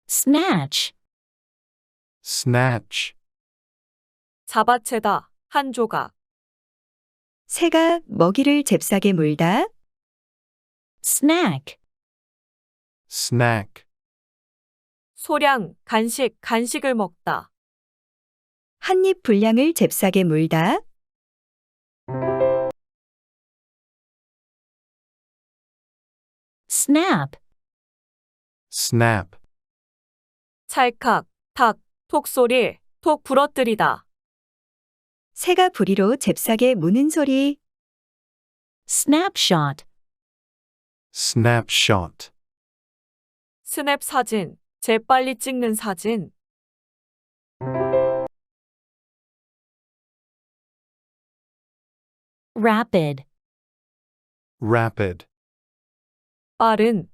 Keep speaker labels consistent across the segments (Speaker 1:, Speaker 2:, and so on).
Speaker 1: snatch,
Speaker 2: snatch,
Speaker 3: 잡아채다, 한 조각.
Speaker 4: 새가 먹이를 잽싸게 물다.
Speaker 1: snack,
Speaker 2: snack,
Speaker 3: 소량, 간식, 간식을 먹다.
Speaker 4: 한 입 분량을 잽싸게 물다.
Speaker 1: snap,
Speaker 2: snap,
Speaker 3: 찰칵, 탁, 톡소리, 톡 부러뜨리다.
Speaker 4: 새가 부리로 잽싸게 무는 소리.
Speaker 1: snapshot,
Speaker 2: snapshot,
Speaker 3: 스냅 사진, 재빨리 찍는 사진.
Speaker 1: rapid,
Speaker 2: rapid,
Speaker 3: 빠른,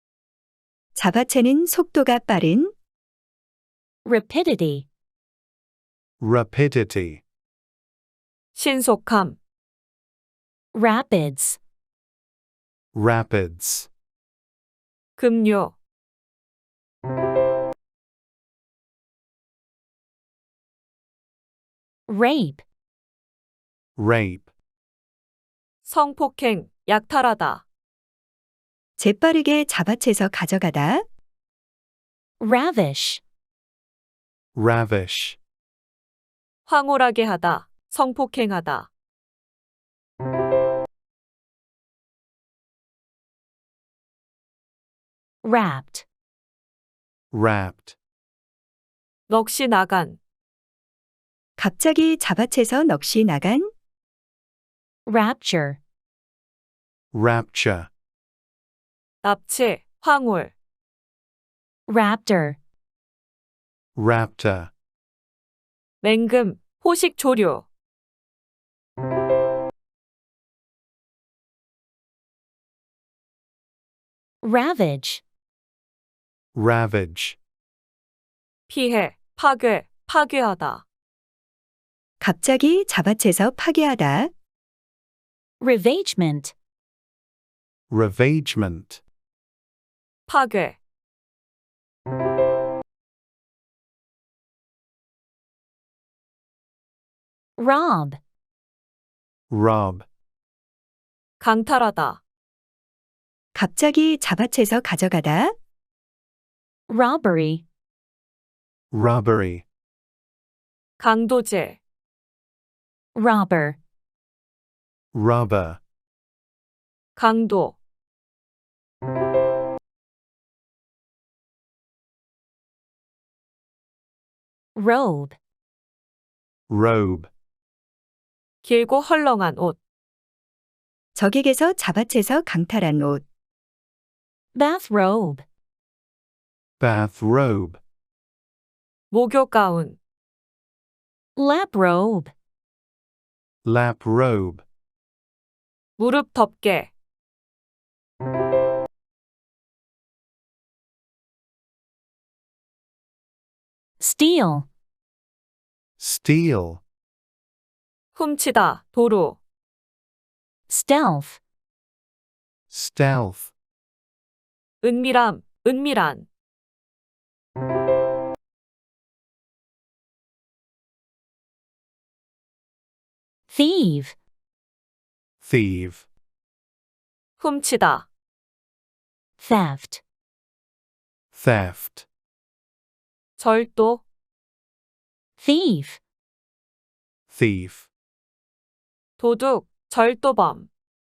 Speaker 4: 잡아채는 속도가 빠른.
Speaker 1: rapidity,
Speaker 2: rapidity,
Speaker 3: 신속함,
Speaker 1: rapids,
Speaker 2: rapids,
Speaker 3: 급류,
Speaker 1: rape,
Speaker 2: rape,
Speaker 3: 성폭행, 약탈하다.
Speaker 4: 재빠르게 잡아채서 가져가다.
Speaker 1: ravish,
Speaker 2: ravish,
Speaker 3: 황홀하게 하다, 성폭행하다.
Speaker 1: wrapped,
Speaker 2: wrapped,
Speaker 3: 넋이 나간,
Speaker 4: 갑자기 잡아채서 넋이 나간.
Speaker 1: rapture,
Speaker 2: rapture,
Speaker 3: 납치, 황홀,
Speaker 1: raptor,
Speaker 2: raptor,
Speaker 3: 맹금, 호식 조류.
Speaker 1: ravage,
Speaker 2: ravage,
Speaker 3: 피해, 파괴, 파괴하다.
Speaker 4: 갑자기 잡아채서 파괴하다.
Speaker 1: ravagement,
Speaker 2: ravagement,
Speaker 3: 파괴,
Speaker 1: rob,
Speaker 2: rob,
Speaker 3: 강탈하다.
Speaker 4: 갑자기 잡아채서 가져가다.
Speaker 1: robbery,
Speaker 2: robbery,
Speaker 3: 강도질,
Speaker 1: robber,
Speaker 2: robber,
Speaker 3: 강도,
Speaker 1: robe,
Speaker 2: robe,
Speaker 3: 길고 헐렁한 옷.
Speaker 4: 적에게서 잡아채서 강탈한 옷.
Speaker 1: bathrobe,
Speaker 2: bathrobe,
Speaker 3: 목욕 가운,
Speaker 1: laprobe,
Speaker 2: laprobe,
Speaker 3: 무릎 덮개,
Speaker 1: steal,
Speaker 2: steal,
Speaker 3: 훔치다, 도루,
Speaker 1: stealth,
Speaker 2: stealth,
Speaker 3: 은밀함, 은밀한,
Speaker 1: thieve,
Speaker 2: thieve,
Speaker 3: 훔치다,
Speaker 1: theft,
Speaker 2: theft,
Speaker 3: 절도,
Speaker 1: thief,
Speaker 2: thief,
Speaker 3: 도둑, 절도범.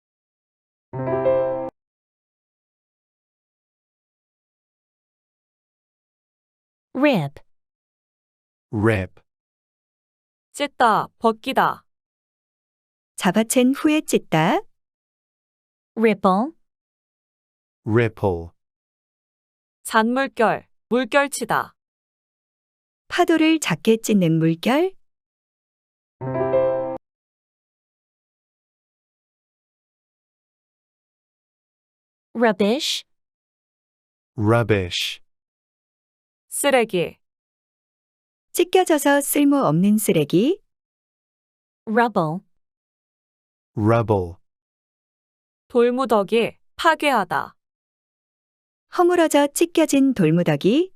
Speaker 1: rip,
Speaker 2: rip,
Speaker 3: 찢다, 벗기다,
Speaker 4: 잡아챈 후에 찢다.
Speaker 1: ripple,
Speaker 2: ripple,
Speaker 3: 잔물결, 물결치다.
Speaker 4: 파도를 작게 찢는 물결.
Speaker 1: rubbish,
Speaker 2: rubbish,
Speaker 3: 쓰레기,
Speaker 4: 찢겨져서 쓸모없는 쓰레기.
Speaker 1: rubble,
Speaker 2: rubble,
Speaker 3: 돌무더기, 파괴하다.
Speaker 4: 허물어져 찢겨진 돌무더기.